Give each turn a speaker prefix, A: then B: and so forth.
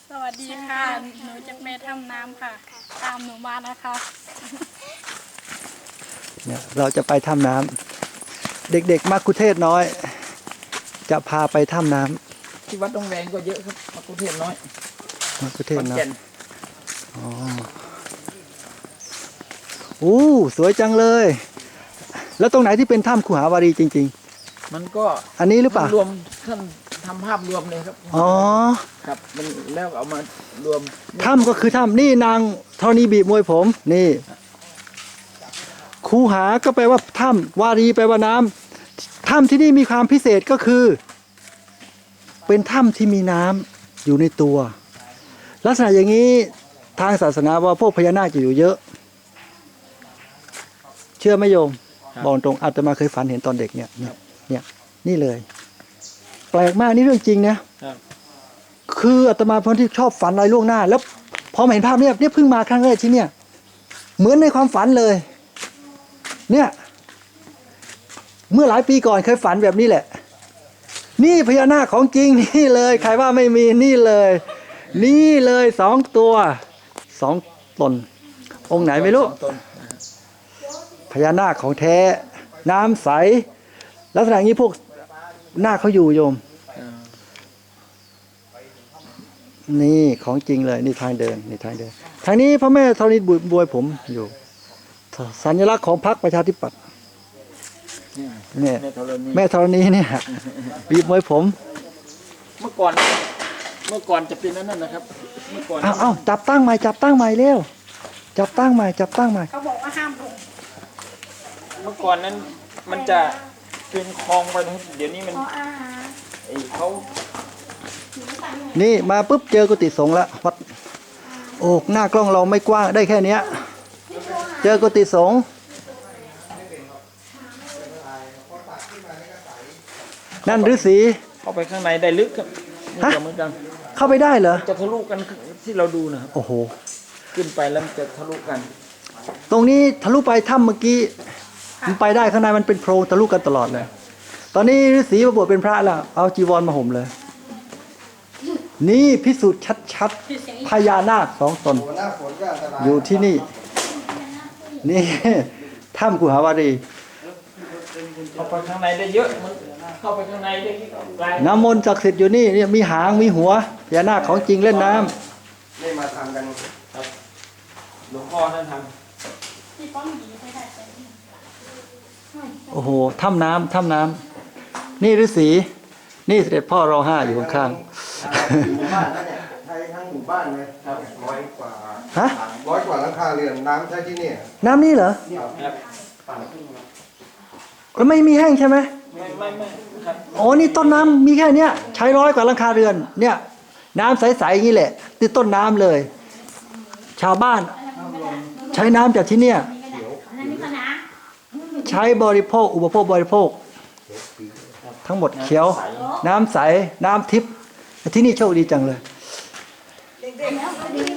A: สวัสดีค่ะ หนูจากแม่ทำน้ำค่ะ ตามหนูมานะคะ
B: เนี่ยเราจะไปถ้ำน้ำเด็กๆมักคุเทศน้อย จะพาไปถ้ำน้ำ
C: ที่วัดดงแดงก็เยอะครับมักคุเทศน้อย
B: มักคุเทศ
C: ขอน
B: น้อย
C: แก่น
B: อ๋ออู้สวยจังเลย แล้วตรงไหนที่เป็นถ้ำขุหาวารีจริง
C: มันก็
B: ๆ อันนี้หรือเปล่า
C: รวมท่านทำภาพรวมเลยครับ
B: อ๋อ
C: ครับมันแล้วเอามารวม
B: ถ้ำก็คือถ้ำนี่นางธรณีบีบมวยผมนี่คูหาก็แปลว่าถ้ำวารีแปลว่าน้ำถ้ำที่นี่มีความพิเศษก็คือ เป็นถ้ำที่มีน้ำอยู่ในตัว ลักษณะอย่างนี้ทางศาสนาว่าพวกพญานาคจะอยู่เยอะ เชื่อไหมโยมบอกตรงอาตมาเคยฝันเห็นตอนเด็กเนี่ยนี่เลย แปลกมากนี่เรื่องจริงนะครับ คืออาตมาเป็นคนที่ชอบฝันอะไรล่วงหน้า แล้วพอมาเห็นภาพเนี่ยเพิ่งมาครั้งแรกที่เนี่ย เหมือนในความฝันเลย เนี่ย เมื่อหลายปีก่อนเคยฝันแบบนี้แหละ นี่พญานาคของจริงนี่เลย ใครว่าไม่มีนี่เลย นี่เลย2 ตัว 2 ตน องค์ไหนไม่รู้
C: สองตน
B: พญานาคของแท้ น้ำใสลักษณะอย่างนี้พวกนาคเขาอยู่โยม
C: อ่า
B: นี่ของจริงเลยนี่ทางเดินนี่ทางเดิน ทางนี้พระแม่ธรณีบวยผมอยู่ สัญลักษณ์ของพรรคประชาธิปัตย์
C: เนี่ย
B: เนี่ย
C: แม่ธรณี
B: แม่ธรณีเนี่ยบีบมวยผม
C: เมื่อก่อนจะเป็นนั่นนะครับ เมื่อก่อน
B: เอาจับตั้งใหม่เร็วจับตั้งใหม่
A: เขาบอกว่าห้ามลง
C: เมื่อก่อนนั้นมันจะเป็นคลองไปนะครับเดี๋ยวนี้มัน
A: เพราะอาหาร
C: ไอ้เขา
B: นี่มาปุ๊บเจอกุฏิสงฆ์แล้ววัดโอ้หน้ากล้องเราไม่กว้างได้แค่เนี้ย เจอกุฏิสงฆ์นั่นฤาษี
C: เข้าไปข้างในได้ลึกครับ
B: ฮะ
C: เหมือนกัน
B: เข้าไปได้เหรอ
C: จะทะลุกันที่เราดูนะครับ
B: โอ้โห
C: ขึ้นไปแล้วมันจะทะลุกัน
B: ตรงนี้ทะลุไปถ้ำเมื่อกี้มันไปได้ข้างในมันเป็นโพรงทะลุกันตลอดเลย ตอนนี้ฤาษีมาบวชเป็นพระแล้วเอาจีวรมาห่มเลย นี่พิสูจน์ชัดๆพญานาค2 ตน อยู่ที่นี่ นี่ ถ้ำกุหาวารี
C: เข้าไปข้างในได้เยอะมันเข้าไปข้างในได้ไกล
B: น้ำมนต์ศักดิ์สิทธิ์อยู่นี่เนี่ยมีหางมีหัวพญานาคของจริงเล่นน้ำ
D: นี่มาทำกัน
C: หลวงพ่อท่านท
A: ที่ป้องหนีไปได้แต่
B: โอ้โหถ้ำน้ำนี่ฤาษีนี่เสด็จพ่อรอ5อยู่ข้าง
D: หมู่บ้านนั่นเนี่ยใช้ทั้งหมู่บ้านเลยร้อยกว่า
B: ๆฮะ
D: 100 กว่าหลังคาเรือนน้ำใช้ที่เนี่ย
B: น้ำนี่เหรอ
C: ำครับ
B: แล้วไม่มีแห้งใช่ไหม
C: ไม่ครับ
B: อ๋อนี่ต้นน้ำมีแค่เนี้ยใช้100 กว่าหลังคาเรือนเนี่ยน้ำใสๆอย่างนี้แหละติดต้นน้ำเลย ชาวบ้านใช้น้ำจากที่เนี่ยใช้บริโภคอุปโภคบริโภค ทั้งหมดเขียว น้ำใสน้ำทิพย์ที่นี่โชคดีจังเลย